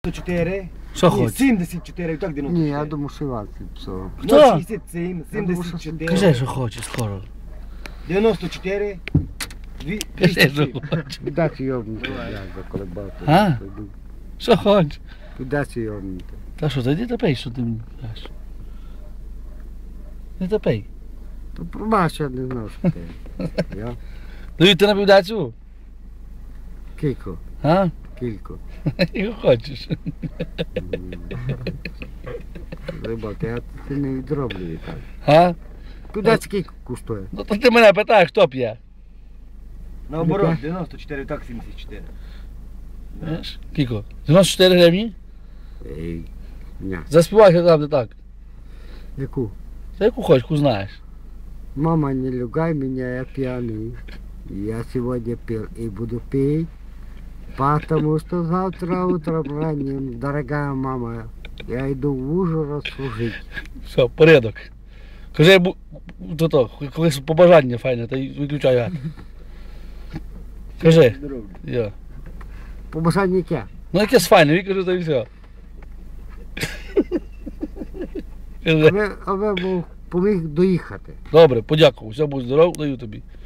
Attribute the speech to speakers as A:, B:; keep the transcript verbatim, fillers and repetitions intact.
A: чотири.
B: Що
A: Ні,
B: хочеш?
A: сімдесят чотири, так дев'яносто чотири.
C: Ні, я думав, що Іван писав.
B: Хто?
A: нуль шістдесят сім, сімдесят чотири.
B: Кажи, що хочеш скоро.
A: дев'яносто чотири. дві-
B: Кажи,
A: двісті
B: що
A: сім.
B: хочеш.
C: Піддачі йобнути,
A: Давай.
C: я заколебав.
B: А? Що хочеш?
C: Піддачі йобнути.
B: Та що, та йди та пий, що ти мені кажеш. Не та пий.
C: То пробач, я не знав, що ти. Я?
B: Даю ти на півдацю?
C: Кілько,
B: А?
C: кілько.
B: Його хочеш.
C: Рибак, я це не відроблюю так.
B: А?
C: Піддачі кілько коштує.
B: Ну то ти мене питаєш, хто п'є?
A: Наоборот, дев'яносто чотири, так сімдесят чотири.
B: Знаєш? Кіко? дев'яносто чотири гривні?
C: Ей, ня.
B: Заспівай там, де так.
C: Яку?
B: Та яку хочеш, яку знаєш.
C: Мама, не люгай меня, я пьяный. Я сегодня пил и буду пить, потому что завтра утром ранним, дорогая мама, я иду в Ужгород служить.
B: Все, порядок. Кажи, бу- то то, колись побажання файне, та й виключай гад. Кажи.
A: Здорово.
B: Я.
C: Побажання яке?
B: Ну якесь файне, він каже, та й все. Кажи.
C: Аби, аби був поміг доїхати.
B: Добре, подякував, все, будь здоров, даю тобі.